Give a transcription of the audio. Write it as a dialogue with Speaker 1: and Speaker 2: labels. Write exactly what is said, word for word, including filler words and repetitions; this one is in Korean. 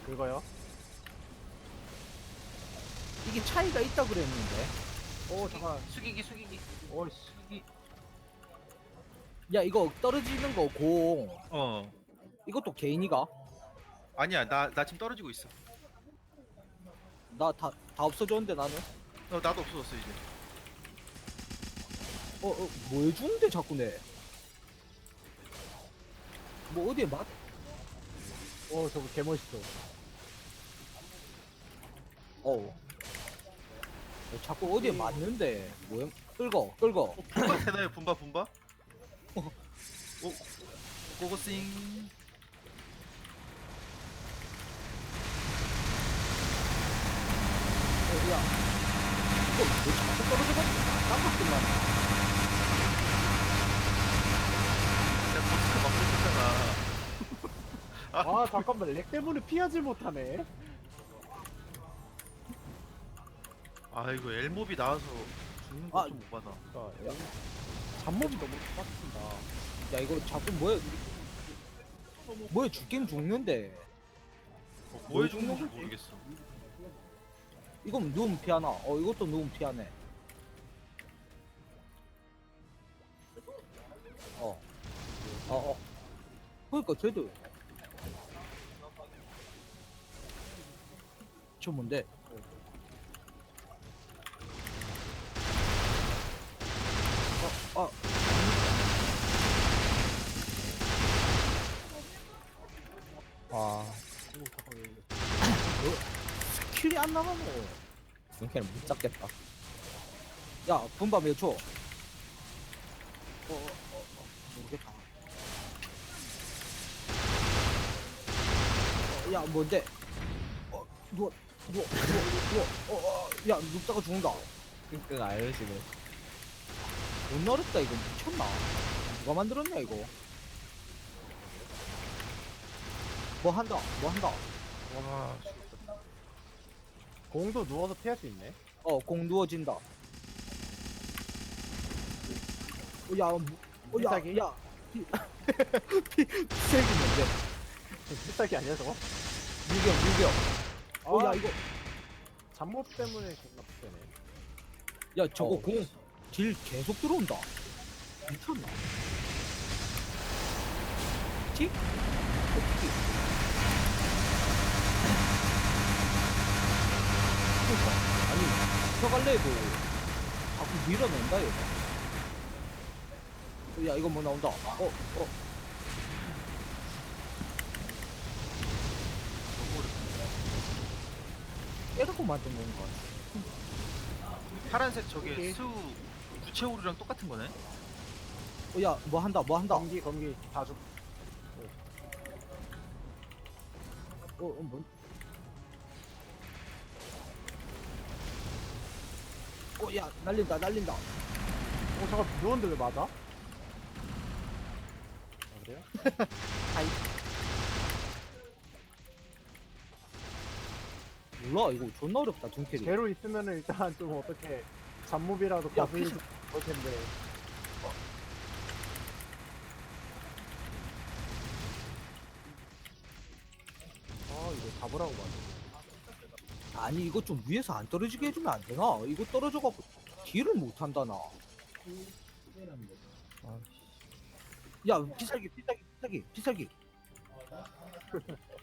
Speaker 1: 그거요?
Speaker 2: 이게 차이가 있다 그랬는데.
Speaker 1: 오 잠깐.
Speaker 3: 숙이기 숙이기
Speaker 1: 오이씨.
Speaker 3: 숙이기.
Speaker 2: 야, 이거 떨어지는 거 공.
Speaker 3: 어
Speaker 2: 이것도 개인이가?
Speaker 3: 아니야 나 나 지금 떨어지고 있어.
Speaker 2: 나 다, 다 없어졌는데 나는?
Speaker 3: 어 나도 없어졌어 이제.
Speaker 2: 어, 어, 뭐 해주는데 자꾸 내? 뭐 어디에 맞?
Speaker 1: 오 저거 개멋있어.
Speaker 2: 어우. 어, 자꾸 어디에 맞는데? 뭐야? 끌고, 끌고.
Speaker 3: 분바 되나요 분바 분바? 오 고고싱.
Speaker 2: 어, 야. 이거 왜 자꾸 떨어져가지고 깜빡했나?
Speaker 3: 내가 버스크 막 쳤잖아.
Speaker 1: 아 잠깐만 렉 때문에 피하지 못하네.
Speaker 3: 아 이거 엘몹이 나와서 죽는
Speaker 2: 아.
Speaker 3: 거좀 오바다.
Speaker 1: 그러니까 야, 잡몹이 너무 빡친다.
Speaker 2: 야, 이거 자꾸 뭐야? 뭐야, 죽긴 죽는데.
Speaker 3: 어, 뭐해 죽는 건지 모르겠어.
Speaker 2: 이건 누우면 피하나? 어, 이것도 누우면 피하네. 어. 어, 어. 그러니까 쟤도. 저 뭔데? 어, 어.
Speaker 4: 와,
Speaker 1: 오 잠깐 왜 이래.
Speaker 2: 킬이 안 나가네.
Speaker 4: 중캐를 못 잡겠다.
Speaker 2: 야, 분바 몇 초? 어, 어, 어, 어, 모르겠다. 어, 야, 뭔데? 어, 누워, 누워, 누워, 누워. 어, 어, 야, 눕다가 죽는다.
Speaker 4: 끙끙 앓으시네.
Speaker 2: 못 어렵다, 이거. 미쳤나? 누가 만들었냐, 이거? 뭐 한다, 뭐 한다.
Speaker 3: 와 죽었다.
Speaker 1: 공도 누워서 피할 수 있네.
Speaker 2: 어, 공 누워진다. 어, 야, 뭐, 어, 야,
Speaker 1: 필살기?
Speaker 2: 야. 피, 피, 피색이 뭔데?
Speaker 1: 필살기 아니야 저거?
Speaker 2: 유경, 유경. 어,
Speaker 1: 아.
Speaker 2: 야, 이거.
Speaker 1: 잡몹 때문에 존나 빡세네.
Speaker 2: 야, 저거
Speaker 1: 어.
Speaker 2: 공, 딜 계속 들어온다. 미쳤나? 틱? 어, 틱. 그니까. 아니, 펴갈래도 자꾸 밀어낸다, 얘가. 어, 야, 이거 뭐 나온다. 어, 어. 깨닫고 만든 건가?
Speaker 3: 파란색 저게
Speaker 1: 오케이.
Speaker 3: 수 부채오류랑 똑같은 거네.
Speaker 2: 어, 야, 뭐 한다, 뭐 한다. 어,
Speaker 1: 검기 검기 다 죽.
Speaker 2: 어, 뭐. 어, 야, 날린다, 날린다.
Speaker 1: 오 잠깐 누웠는데 왜 맞아? 아, 그래요?
Speaker 2: 아이. 몰라, 이거 존나 어렵다, 둔캐리.
Speaker 1: 제로 있으면은 일단 좀 어떻게 잡몹이라도
Speaker 2: 야,
Speaker 1: 거슬릴
Speaker 2: 피자.
Speaker 1: 볼 텐데. 아 이거 잡으라고 맞네.
Speaker 2: 아니, 이거 좀 위에서 안 떨어지게 해주면 안 되나? 이거 떨어져갖고 딜을 못 한다, 나.
Speaker 4: 아,
Speaker 2: 야, 피살기, 피살기, 피살기, 피살기.